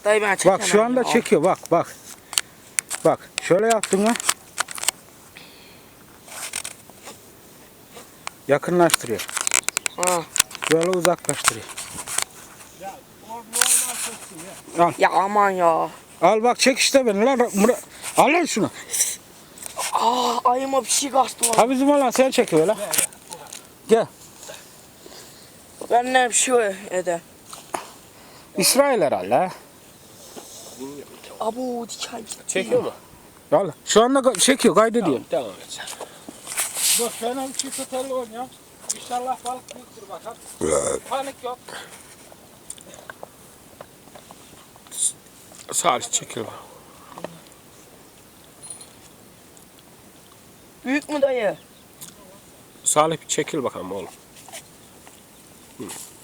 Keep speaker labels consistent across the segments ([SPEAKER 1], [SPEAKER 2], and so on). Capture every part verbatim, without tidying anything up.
[SPEAKER 1] Dayı ben çekemem.
[SPEAKER 2] Bak şu anda
[SPEAKER 1] ya.
[SPEAKER 2] çekiyor bak bak. Bak şöyle yaptın mı? Yakınlaştırıyor.
[SPEAKER 1] Ha.
[SPEAKER 2] Böyle uzaklaştırıyor.
[SPEAKER 3] Ya normal çeksin ya.
[SPEAKER 2] Al.
[SPEAKER 1] Ya aman ya.
[SPEAKER 2] Al bak çek işte beni lan. Murat. Al lan şunu.
[SPEAKER 1] Aa ayıma bir şey kaçtı lan.
[SPEAKER 2] Ha bizim olan sen çekiyor lan. Gel.
[SPEAKER 1] Ben ne bir şey eder.
[SPEAKER 2] İsrail herhalde ha.
[SPEAKER 1] Abu diken gitti.
[SPEAKER 4] Çekiyor mu?
[SPEAKER 2] Al. Şu anda ka- çekiyor kaydediyor.
[SPEAKER 4] Devam et sen.
[SPEAKER 3] Dur ben bir çift tutarlı oynayayım. İnşallah balık büyüktür bakalım. Panik yok.
[SPEAKER 4] Salih çekil bak.
[SPEAKER 1] Büyük mü dayı?
[SPEAKER 4] Salih bir çekil bakalım oğlum. Hı.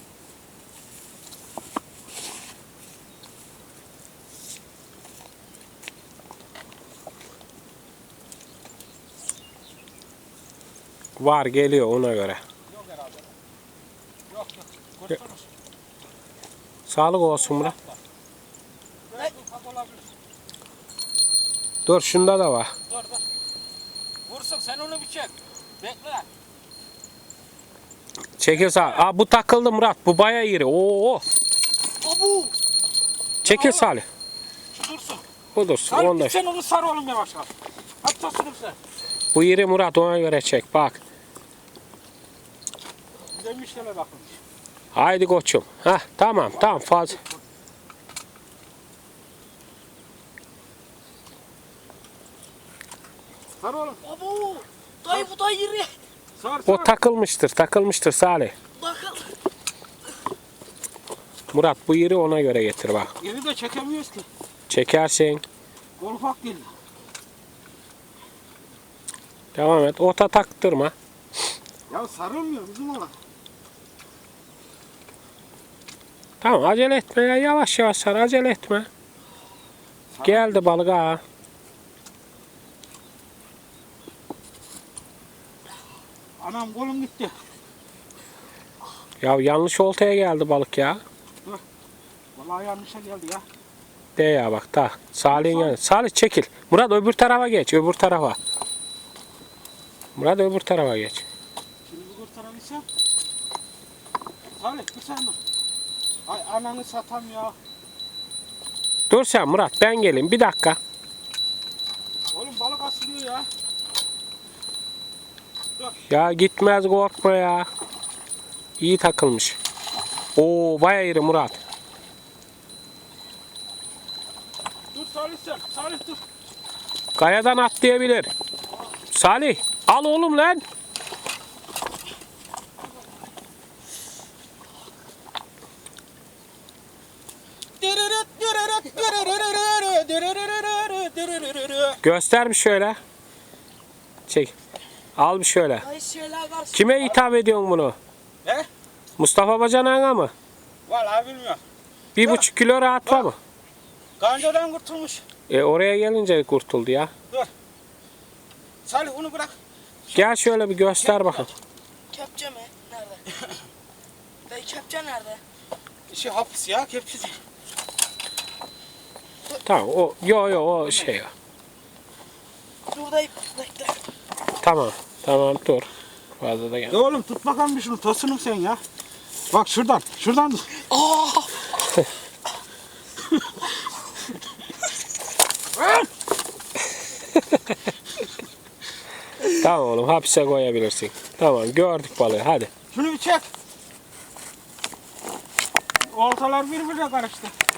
[SPEAKER 4] Var geliyor ona göre.
[SPEAKER 3] Yok herhalde. Yok yok. Kurtarmış.
[SPEAKER 4] Sağlık olsun Murat.
[SPEAKER 3] Evet, ufak olabilir.
[SPEAKER 4] Dur şunda da var.
[SPEAKER 3] Dur dur. Vursun sen onu bir çek. Bekle.
[SPEAKER 4] Çekil sağ. Aa bu takıldı Murat. Bu bayağı iri. Oo.
[SPEAKER 1] Abu.
[SPEAKER 4] Çekil Salih.
[SPEAKER 3] Şu dursun.
[SPEAKER 4] Bu dursun.
[SPEAKER 3] Sarı
[SPEAKER 4] Onda.
[SPEAKER 3] sen onu sar oğlum yavaş yavaş. At tosunu sen.
[SPEAKER 4] Bu iri Murat ona göre çek. Bak.
[SPEAKER 3] Demişlere bakın.
[SPEAKER 4] Haydi koçum. Hah tamam tamam fazla.
[SPEAKER 3] Sar oğlum.
[SPEAKER 1] Abu. Dayı bu da yeri.
[SPEAKER 3] Sar
[SPEAKER 4] O
[SPEAKER 3] sar.
[SPEAKER 4] takılmıştır. Takılmıştır Salih.
[SPEAKER 1] Bakın.
[SPEAKER 4] Murat bu iri ona göre getir bak.
[SPEAKER 3] Yeri de çekemiyoruz ki.
[SPEAKER 4] Çekersin.
[SPEAKER 3] O ufak değil.
[SPEAKER 4] Devam et. Ota taktırma.
[SPEAKER 3] Ya sarılmıyor bizim olan.
[SPEAKER 4] Tamam acele etme ya. Yavaş yavaş sar. Acele etme. Geldi balık ha.
[SPEAKER 3] Anam kolum gitti.
[SPEAKER 4] Ya yanlış oltaya geldi balık ya.
[SPEAKER 3] Vallahi yanlışa geldi ya.
[SPEAKER 4] De ya bak ta. Salih'in yanı. Salih çekil. Murat öbür tarafa geç. Öbür tarafa. Murat öbür tarafa geç.
[SPEAKER 3] Şimdi bu kurtarabilsem. Salih bir sen mi? Ay ananı satam ya.
[SPEAKER 4] Dur sen Murat ben geleyim. Bir dakika.
[SPEAKER 3] Oğlum balık asılıyor ya.
[SPEAKER 4] Ya gitmez korkma ya. İyi takılmış. Oo bayağı iri Murat.
[SPEAKER 3] Dur Salih sen. Salih dur.
[SPEAKER 4] Kayadan atlayabilir. Salih al oğlum lan. Göster bir şöyle. Çek. Al bir şöyle.
[SPEAKER 1] Dayı şeyler karşı.
[SPEAKER 4] Kime hitap ediyorsun bunu?
[SPEAKER 3] Ne?
[SPEAKER 4] Mustafa Bacanağ'a mı?
[SPEAKER 3] Vallahi bilmiyorum.
[SPEAKER 4] Bir buçuk kilo rahat var mı?
[SPEAKER 3] Gancadan kurtulmuş.
[SPEAKER 4] E oraya gelince kurtuldu ya.
[SPEAKER 3] Salih onu bırak.
[SPEAKER 4] Gel şöyle bir göster bakalım.
[SPEAKER 1] Kepçe mi? Nerede? Dayı kepçe nerede?
[SPEAKER 3] Şey hapis ya kepçesi.
[SPEAKER 4] Tamam o yo yo o şey.
[SPEAKER 1] Dur dayı bekle.
[SPEAKER 4] Tamam. Tamam dur. Fazla da gel.
[SPEAKER 3] Ya oğlum tut bakalım bir şunu tosunum sen ya. Bak şuradan şuradan tut.
[SPEAKER 1] Aa!
[SPEAKER 4] Tamam oğlum hapise koyabilirsin. Tamam gördük balığı hadi.
[SPEAKER 3] Şunu bir çek. Oltalar birbirine karıştı.